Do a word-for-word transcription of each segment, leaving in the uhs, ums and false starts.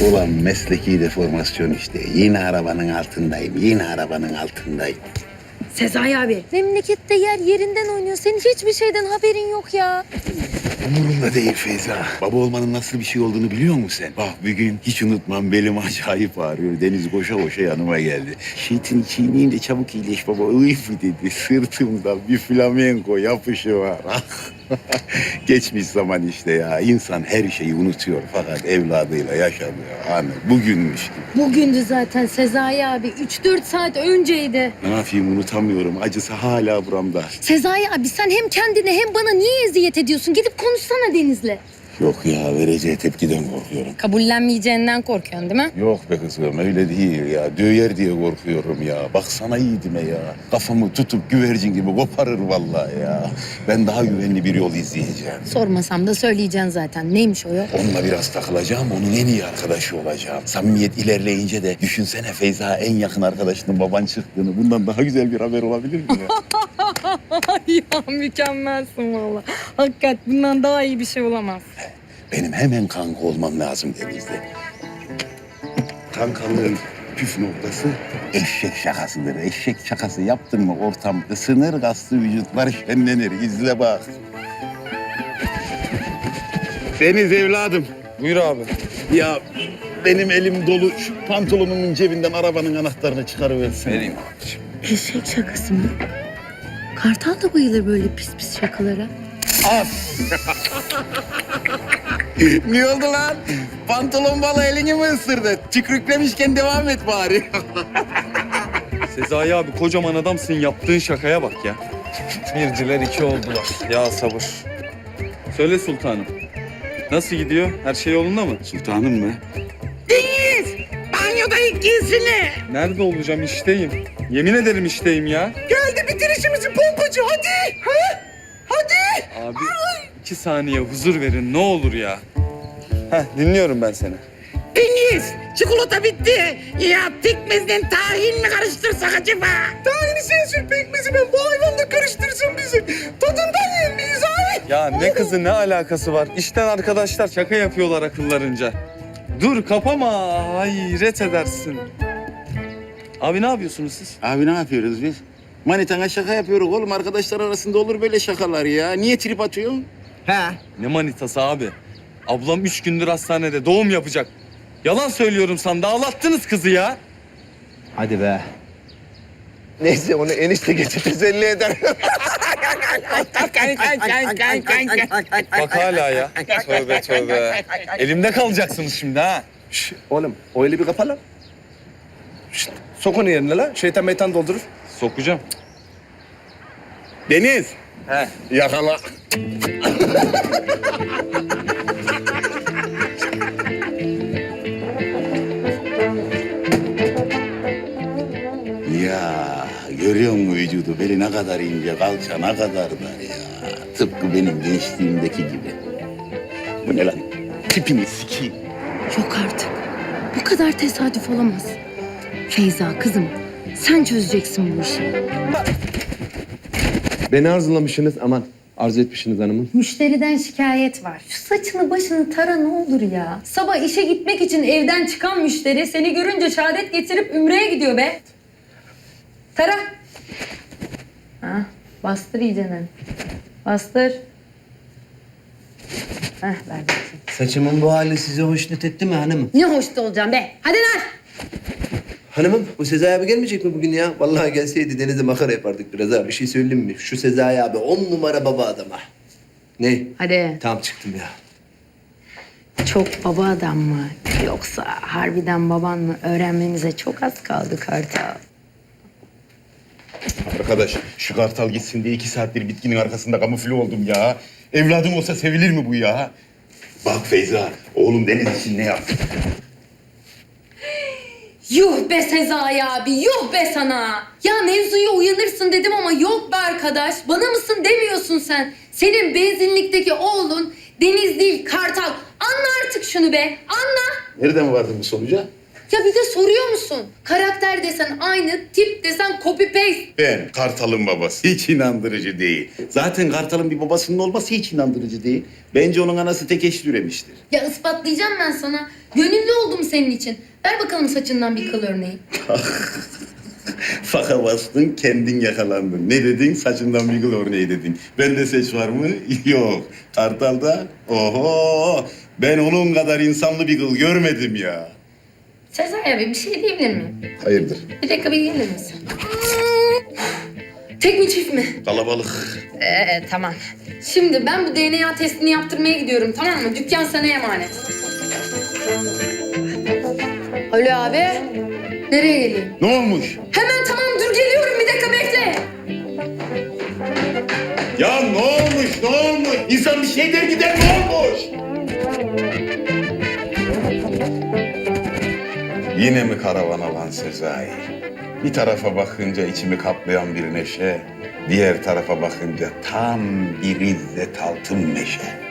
Ulan mesleki deformasyon işte. Yine arabanın altındayım, yine arabanın altındayım. Sezai abi. Memlekette yer yerinden oynuyor. Senin hiçbir şeyden haberin yok ya. Umurumda değil Feyza. Baba olmanın nasıl bir şey olduğunu biliyor musun sen? Bak bir gün hiç unutmam, belim acayip ağrıyor. Deniz koşa koşa yanıma geldi. Şeytini çiğneyince çabuk iyileş baba. Uyf dedi. Sırtımda bir flamenko yapışı var. Geçmiş zaman işte ya. İnsan her şeyi unutuyor fakat evladıyla yaşamıyor. Hani bugünmüş gibi. Bugündü zaten Sezai abi. Üç dört saat önceydi. Ne yapayım, unutamıyorum. Acısı hala buramda. Sezai abi sen hem kendine hem bana niye eziyet ediyorsun? Gidip konuşsana Deniz'le. Yok ya, vereceği tepkiden korkuyorum. Kabullenmeyeceğinden korkuyorsun değil mi? Yok be kızım, öyle değil ya. Döyer diye korkuyorum ya. Baksana yiğidime ya. Kafamı tutup güvercin gibi koparır vallahi ya. Ben daha güvenli bir yol izleyeceğim. Sormasam da söyleyeceksin zaten. Neymiş o yol? Onunla biraz takılacağım, onun en iyi arkadaşı olacağım. Samimiyet ilerleyince de düşünsene Feyza en yakın arkadaşının baban çıktığını. Bundan daha güzel bir haber olabilir mi ya? Ya mükemmelsin valla. Hakikat bundan daha iyi bir şey olamaz. Benim hemen kanka olmam lazım Deniz'de. Kankalığın püf noktası eşek şakasıdır. Eşek şakası yaptın mı ortam ısınır, kaslı vücutlar şenlenir. İzle bak. Deniz evladım. Buyur abi. Ya benim elim dolu. Şu pantolonumun cebinden arabanın anahtarını çıkarıversin. Vereyim abiciğim. Eşek şakası mı? Kartal da bayılır böyle pis pis şakalara. Ne oldu lan? Pantolon balı elini mi ısırdı? Tükrüklemişken devam et bari. Sezai abi kocaman adamsın, yaptığın şakaya bak ya. Birciler iki oldular. Ya sabır. Söyle sultanım. Nasıl gidiyor? Her şey yolunda mı? Sultanım mı? Banyoda ilk giysini. Nerede olacağım? İşteyim. Yemin ederim işteyim ya. Geldi bitir işimizi pompacı hadi. Ha? Hadi. Abi iki saniye huzur verin ne olur ya. Heh dinliyorum ben seni. Deniz, çikolata bitti. Ya pekmezden tahin mi karıştırsak acaba? Tahini sen sür, pekmezi ben. Bu hayvan da karıştırsın bizi. Tadından yer miyiz abi? Ya ne kızı ne alakası var? İşten arkadaşlar şaka yapıyorlar akıllarınca. Dur kapama hayret edersin. Abi ne yapıyorsunuz siz? Abi ne yapıyoruz biz? Manitana şaka yapıyoruz oğlum. Arkadaşlar arasında olur böyle şakalar ya. Niye trip atıyorsun? Ne manitası abi? Ablam üç gündür hastanede doğum yapacak. Yalan söylüyorum sana, ağlattınız kızı ya. Hadi be. Neyse onu enişte geçip teselli eder. Bak hala ya. Tövbe tövbe. Elimde kalacaksınız şimdi ha. Şş, oğlum o eli bir kapa lan. Şşt, sok onu yerine lan. Şeytan meytan doldurur. Sokacağım. Deniz. He. Yakala. Ya görüyor musun vücudu? Beli ne kadar ince, kalça ne kadar dar ya. Tıpkı benim gençliğimdeki gibi. Bu ne lan? Tipini sikeyim. Yok artık. Bu kadar tesadüf olamaz. Feyza kızım sen çözeceksin bu işi. Beni arzulamışsınız aman. Arzu etmişsiniz hanımım. Müşteriden şikayet var. Şu saçını başını tara ne olur ya. Sabah işe gitmek için evden çıkan müşteri seni görünce şehadet getirip ümreye gidiyor be. Tara. Ha, bastır iyicene. Bastır. Heh, ver bakayım. Saçımın bu hali size hoşnut etti mi hanımım? Ne hoşta olacağım be. Hadi lan. Hanımım bu Sezai abi gelmeyecek mi bugün ya? Vallahi gelseydi denize makara yapardık biraz ha. Bir şey söyleyeyim mi? Şu Sezai abi on numara baba adama. Ne? Hadi. Tamam çıktım ya. Çok baba adam mı? Yoksa harbiden baban mı? Öğrenmemize çok az kaldı Kartal. Arkadaş şu kartal gitsin diye iki saattir bitkinin arkasında kamufle oldum ya. Evladım olsa sevilir mi bu ya? Bak Feyza, oğlum Deniz için ne yaptı? Yuh be Sezai abi, yuh be sana. Ya mevzuya uyanırsın dedim ama yok be arkadaş. Bana mısın demiyorsun sen. Senin benzinlikteki oğlun Deniz değil Kartal. Anla artık şunu be, anla. Nereden vardın bu sonuca? Ya bir de soruyor musun? Karakter desen aynı, tip desen copy paste. Ben Kartal'ın babası. Hiç inandırıcı değil. Zaten Kartal'ın bir babasının olması hiç inandırıcı değil. Bence onun anası tek eşli üremiştir. Ya ispatlayacağım ben sana. Gönüllü oldum senin için. Ver bakalım saçından bir kıl örneği. Faka bastın, kendin yakalandın. Ne dedin? Saçından bir gül örneği dedin. Bende seç var mı? Yok. Kartal'da? Oho! Ben onun kadar insanlı bir kıl görmedim ya. Sezai abi bir şey diyebilir miyim? Hayırdır? Bir dakika bir gelir misin? Tek mi çift mi? Kalabalık. Ee, tamam. Şimdi ben bu D N A testini yaptırmaya gidiyorum, tamam mı? Dükkan sana emanet. Alo abi. Nereye geleyim? Ne olmuş? Hemen tamam dur geliyorum, bir dakika bekle. Ya ne olmuş? Ne olmuş? İnsan bir şey der gider, ne olmuş? Yine mi karavan alan Sezai? Bir tarafa bakınca içimi kaplayan bir neşe, diğer tarafa bakınca tam bir izzet altın neşe.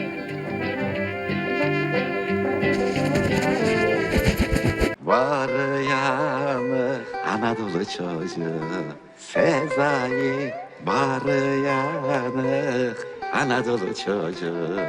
Var yanı Anadolu çocuğu Sezai, var yanı Anadolu çocuğu.